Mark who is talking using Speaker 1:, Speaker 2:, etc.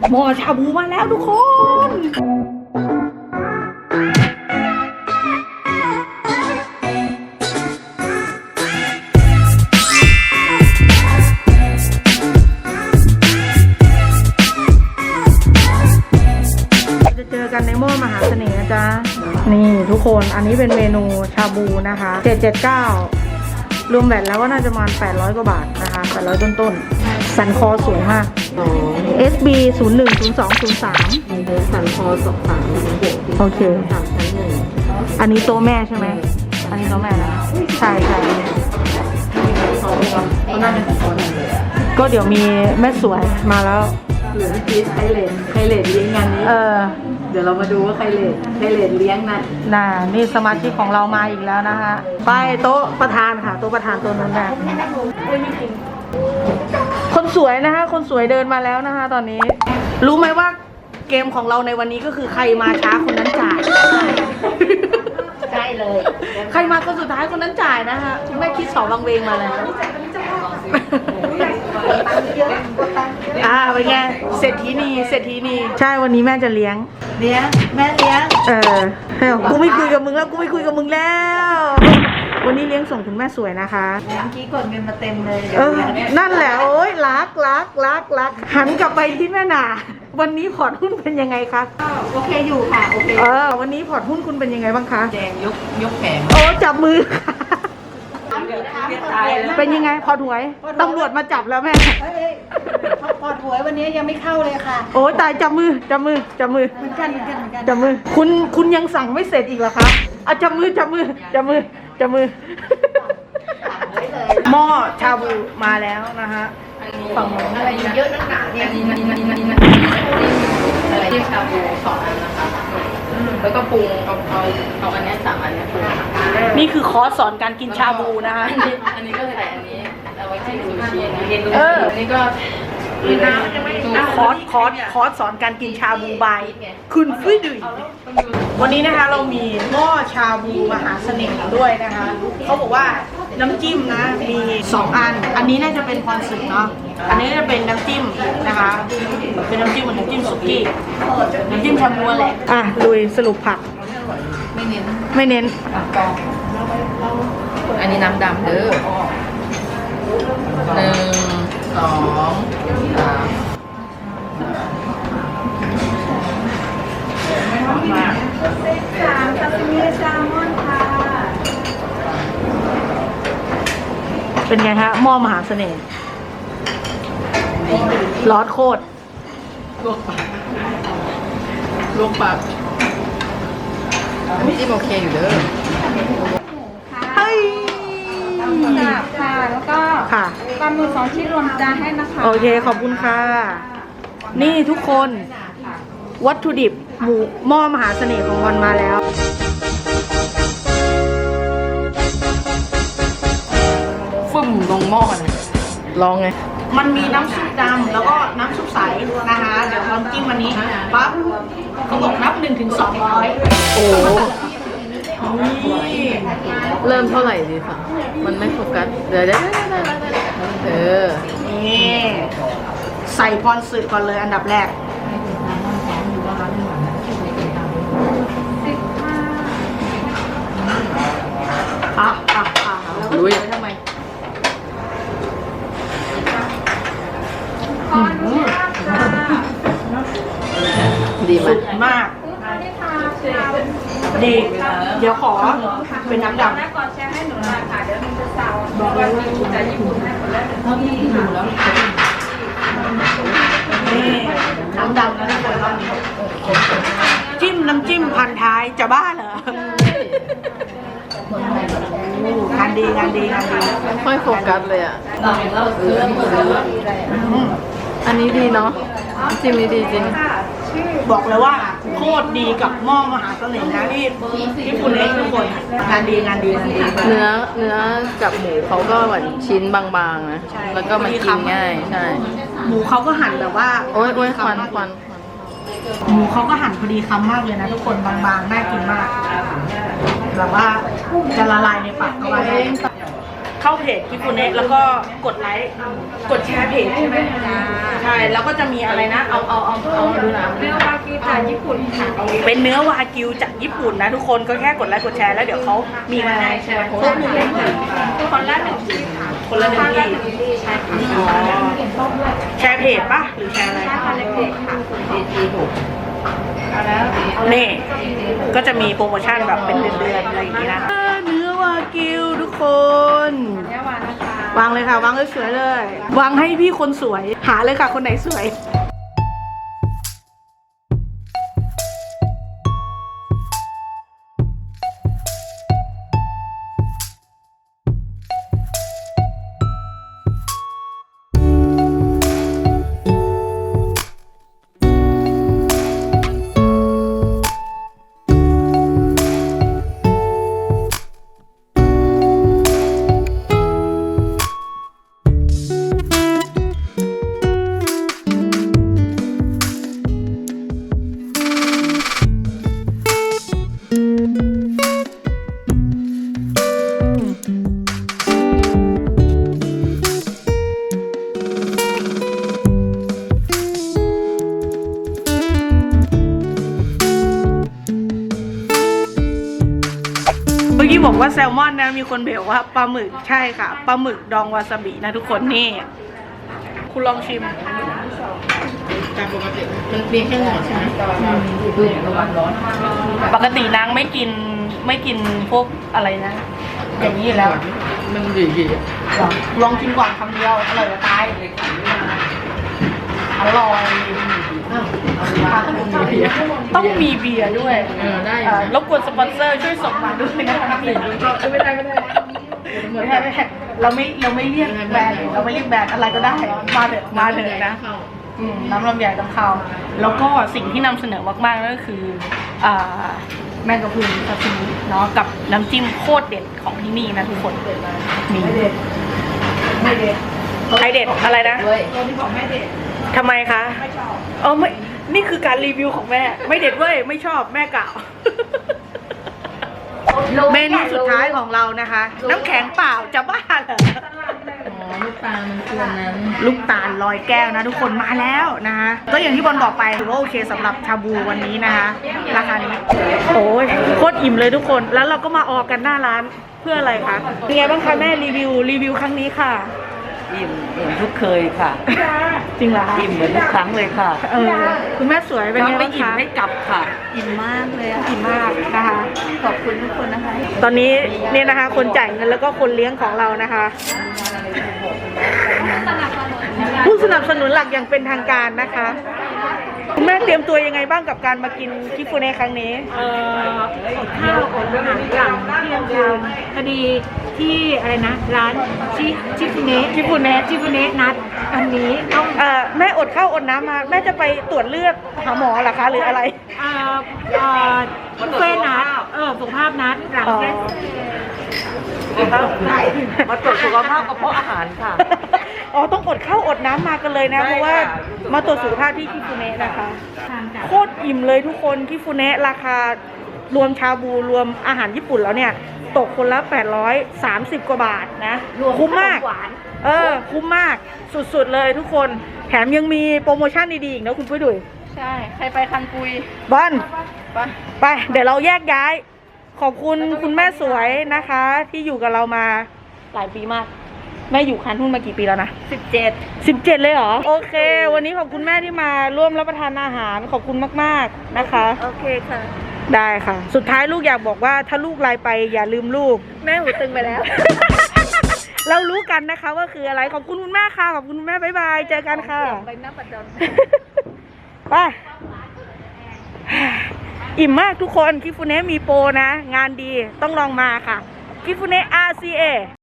Speaker 1: หม้อชาบูมาแล้วทุกคน จะเจอกันในหม้อมหาเสน่ห์นะจ๊ะนี่ทุกคนอันนี้เป็นเมนูชาบูนะคะ779รวมแบตแล้วก็น่าจะประมาณ800กว่าบาทนะคะ800ต้นๆสันคอสวยมาก SB 010203
Speaker 2: สันคอ23
Speaker 1: โอเค
Speaker 2: 3ชั้น1
Speaker 1: อันนี้โต๊ะแม่ใช่ไหมอันนี้โต๊ะแม่นะใช่ใช่ก็เดี๋ยวมีแม่สวยมาแล้ว
Speaker 2: เหลือพีชไคเลดเลี้ยงงานนี้เดี๋ยวเรามาดูว่าไคเลดเลี้ยงนะ
Speaker 1: นี่สมาชิกของเรามาอีกแล้วนะคะไปโต๊ะประธานค่ะโต๊ะประธานตัวนั้นแม่คนสวยนะคะคนสวยเดินมาแล้วนะคะตอนนี้รู้ไหมว่าเกมของเราในวันนี้ก็คือใครมาช้าคนนั้นจ่าย
Speaker 2: ใช่เลย
Speaker 1: ใครมาคนสุดท้ายคนนั้นจ่ายนะคะคุณแม่คิดสองวังเวงมาแล้วเป็นไงเศรษฐีนีใช่วันนี้แม่จะเลี้ยง
Speaker 2: แม่เลี้ยง
Speaker 1: กูไม่คุยกับมึงแล้วกูไม่คุยกับมึงแล้ววันนี้เลี้ยงส่งคุณแม่สวยนะคะ
Speaker 2: เมื่อกี้กดเงินมาเต็มเลย
Speaker 1: นั่นแหละโอ๊ยรักหันกลับไปที่แม่นาวันนี้พอร์ตหุ้นเป็นยังไงคะ
Speaker 2: โอเคอยู่ค่ะโอเค
Speaker 1: วันนี้พอร์ตหุ้นคุณเป็นยังไงบ้างคะ
Speaker 2: แดงยกแขน
Speaker 1: โอ้จับมือเป็นยังไงพอถวยตำรวจมาจับแล้วแม่
Speaker 2: พอถวยวันนี้ยังไม่เข้าเลยค่ะ
Speaker 1: โอ้ตายจับมือ
Speaker 2: เหมือนกัน
Speaker 1: จับมือคุณยังสั่งไม่เสร็จอีกเหรอคะจับมือหม้อชาบูมาแล้วนะคะฝั่งนู้น
Speaker 2: อะไรเยอะนักหนาเนี่ยอะไรที่ชาบู2 อันนะคะแล้วก็ปรุงเอาอันนี้3 อันนี้ปรุง
Speaker 1: นี่คือคอร์สสอนการกินชาบูนะคะ
Speaker 2: อันนี้ก็ใส่อันนี้เอาไว้จิ้มซูชิอันนี้ก็
Speaker 1: คอร์สสอนการกินชาบูบายคุณฟิดุยวันนี้นะคะเรามีหม้อชาบูมหาเสน่ห์ด้วยนะคะเขาบอกว่าน้ำจิ้มนะมี2 อันอันนี้น่าจะเป็นพรสึกเนาะอันนี้จะเป็นน้ำจิ้มนะคะเป็นน้ำจิ้มเหมือนน้ำจิ้มสุกี้น้ำจิ้มชาบูแหละลุยสรุปผัก
Speaker 2: ไม่เ
Speaker 1: น้น
Speaker 2: อันนี้น้ำดำเด้อ1 2 3ซาซิมิแซลมอนค่ะ
Speaker 1: เป็นไงฮะหม้อมหาเสน่ห์ร้อนโคตร
Speaker 2: ลวกปากอันนี้จิ้มโอเคอยู่เด้อ
Speaker 1: เฮ้ย
Speaker 3: ค่ะแล้วก็ปลาหมึก2 ชิ้นรวมจานให้นะคะ
Speaker 1: โอเคขอบคุณค่ะนี่ทุกคนวัตถุดิบหม้อมหาเสน่ห์ของวันมาแล้ว
Speaker 2: ฟึ่มลงหม้อเลยลองไง
Speaker 1: มันมีน้ำซุปดำแล้วก็น้ำซุปใสนะคะเดี๋ยวลองจิ้มวันนี้ปั๊บเขาบอกนับ1 ถึง 200
Speaker 2: โอ้เริ่มเท่าไหร่ดีคะมันไม่โฟกัสเดี๋ยว
Speaker 1: นี่ใส่พรสึกก่อนเลยอันดับแรก
Speaker 2: ลุย
Speaker 1: ทำไม
Speaker 2: ดีม
Speaker 1: ากดีเดี๋ยวขอเป็นน้ำดำ
Speaker 3: ก่อนแชร์ให้หนูหน่อยค่ะเดี๋ยวหนูจะสั่งบอกว่ามีแต่ญี่ปุ่นให้หมดแล้ว
Speaker 1: นี่น้ำดำแล้วทุกคนรอบนี้จิ้มน้ำจิ้มพันท้ายจะบ้าเหรองานดี
Speaker 2: ไม่โฟกัสเลยอ่ะอันนี้ดีเนาะจิ้มนี้ดีจริง
Speaker 1: บอกเลยว่าโคตรดีกับหม้อมหาเสน่ห์นะที่ญี่ปุ่นเองทุกคนงานดี
Speaker 2: เนื้อกับหมูเขาก็เหมือนชิ้นบางๆนะแล้วก็มันกินง่ายใช่
Speaker 1: หมูเขาก็หั่นแบบว่า
Speaker 2: โอ๊ยควัน
Speaker 1: หมูเขาก็หั่นพอดีคำมากเลยนะทุกคนบางๆน่ากินมากแบบว่าจะละลายในปากเข้าไปเข้าเพจคิฟูเนะแล้วก็กดไลค์กดแชร์เพจใช่ไหมใช่แล้วก็จะมีอะไรนะเอาดูนะ
Speaker 3: เนื้อวากิวจากญี่ปุ่นค่ะ
Speaker 1: เป็นเนื้อวากิวจากญี่ปุ่นนะทุกคนก็แค่กดไลค์กดแชร์แล้วเดี๋ยวเขามีมาแชร์โพสต์
Speaker 3: คนละหนึ่งที่ค่ะ
Speaker 1: คนละหนึ่งที่
Speaker 3: ใช่ค่ะ
Speaker 1: อ๋อแชร์เพจปะหรือแชร์อะไร
Speaker 3: ใช่ค่ะในเพจค่ะ
Speaker 1: นี่ก็จะมีโปรโมชั่นแบบเป็นเดือนๆอะไรอย่างงี้นะเนื้อวากิวทุกคน
Speaker 3: เนื้อวานะคะ
Speaker 1: วางเลยค่ะวางสวยๆเลย วางให้พี่คนสวยหาเลยค่ะคนไหนสวย เมื่อกี้บอกว่าแซลมอนนะมีคนเบลว่าปลาหมึกใช่ค่ะปลาหมึกดองวาซาบินะทุกคนนี่คุณลองชิม
Speaker 2: ตามปกติมันเพียงแค่หนอดใช่ไหมระวังร้อน
Speaker 1: ปกตินางไม่กินพวกอะไรนะ อย่างนี้อยู่แล้ว
Speaker 2: มันดี
Speaker 1: ลองกินก่อนคำเดียวอร่อยจะตายอร่อยต้องมีเบียร์ด้วย
Speaker 2: ได้
Speaker 1: รบกวนสปอนเซอร์ช่วยส่งมาด้วยนะคะไม่ได้เราไม่เรียกแบรนด์เราไม่เรียกแบรนด์อะไรก็ได้มาเถอะนะน้ำลำไยต้องเข้าแล้วก็สิ่งที่นำเสนอมากๆก็คือแมงกะพรุนซาซิมิเนาะกับน้ำจิ้มโคตรเด็ดของที่นี่นะทุกคนมีไม่เด็ดใครเด็ดอะไรนะทำไมคะไม่ชอบไม่นี่คือการรีวิวของแม่ไม่เด็ดเว้ยไม่ชอบแม่กล่าวเมนูสุดท้ายของเรานะคะ น้ำแข็งเปล่าจะบ้าเหรอ
Speaker 2: ลูกตามันคือนั้น
Speaker 1: ลูกตาลลอยแก้วนะทุกคนมาแล้วนะคะก็อย่างที่บอลบอกไปถือว่าโอเคสำหรับชาบูวันนี้นะคะราคานี้โอ้ยโคตรอิ่มเลยทุกคนแล้วเราก็มาออกกันหน้าร้านเพื่ออะไรคะเป็นไงบ้างคะแม่รีวิวครั้งนี้ค่ะ
Speaker 4: อิ่มทุกเคยค่ะ
Speaker 1: จริงเหรอคะ
Speaker 4: อิ่มเหมือนทุกครั้งเลยค่ะ
Speaker 1: คุณแม่สวยเป็นไง
Speaker 4: ไม่
Speaker 1: บ้าง
Speaker 4: อิ่ม
Speaker 1: คะ
Speaker 4: ไม่กลับค่ะ
Speaker 3: อิ่มมากเลยอะ
Speaker 1: อิ่มมากนะคะ
Speaker 3: ขอบคุณทุกคนนะคะ
Speaker 1: ตอนนี้เนี่ยนะคะ คนจ่ายเงินแล้วก็คนเลี้ยงของเรานะคะ ผู้สนับสนุนหลักอย่างเป็นทางการนะคะคุณแม่เตรียมตัวยังไงบ้างกับการมากินคิฟูเนะครั้งนี้
Speaker 3: อดข้าวอดอาหารหลังเที่ยงคืนพอดีที่อะไรนะ ร้านชิฟูเนะนัดอันนี้ต้อง
Speaker 1: แม่อดข้าวอดน้ำมาแม่จะไปตรวจเลือดหาหมอเหรอคะหรืออะไร
Speaker 3: บุฟเฟ่ต์นัดสุขภาพนัดหลังเทศ
Speaker 4: มาตรวจสุขภาพกระเพาะอาหารค่ะ
Speaker 1: อ๋อต้องอดข้าวอดน้ำมากันเลยนะ
Speaker 4: ใช่
Speaker 1: เพราะว่า
Speaker 4: ค่ะ
Speaker 1: มาตรวจสุขภาพที่คิฟูเนะนะคะ
Speaker 3: ทางจาก
Speaker 1: โคตรอิ่มเลยทุกคนคิฟูเนะราคารวมชาบูรวมอาหารญี่ปุ่นแล้วเนี่ยตกคนละ830 กว่าบาทนะคุ้มมากคุ้มมากสุดๆเลยทุกคนแถมยังมีโปรโมชั่นดีๆอีกนะคุณปุ้ยดุย
Speaker 3: ใช่ใครไปคันปุย
Speaker 1: บอลไปเดี๋ยวเราแยกย้าย ขอบคุณคุณแม่สวยนะคะ ที่อยู่กับเรามาหลายปีมาก แม่อยู่คันทุ่นมากี่ปีแล้วนะ17เลยเหรอโอเค วันนี้ขอบคุณแม่ที่มาร่วมรับประทานอาหารขอบคุณมากๆนะคะ
Speaker 3: โอเคค่ะ
Speaker 1: ได้ค่ะ สุดท้ายลูกอยากบอกว่าถ้าลูกไลน์ไปอย่าลืมลูก
Speaker 3: แม่หูตึงไปแล้ว
Speaker 1: เรารู้กันนะคะว่าคืออะไรขอบคุณคุณแม่ค่ะขอบคุณคุณแม่บ๊ายบายเจอกันค่ะ
Speaker 3: ไปหน้าปัดดอน
Speaker 1: ไปอิ่มมากทุกคนคิฟูเนะมีโปรนะ งานดีต้องลองมาค่ะคิฟูเนะ RCA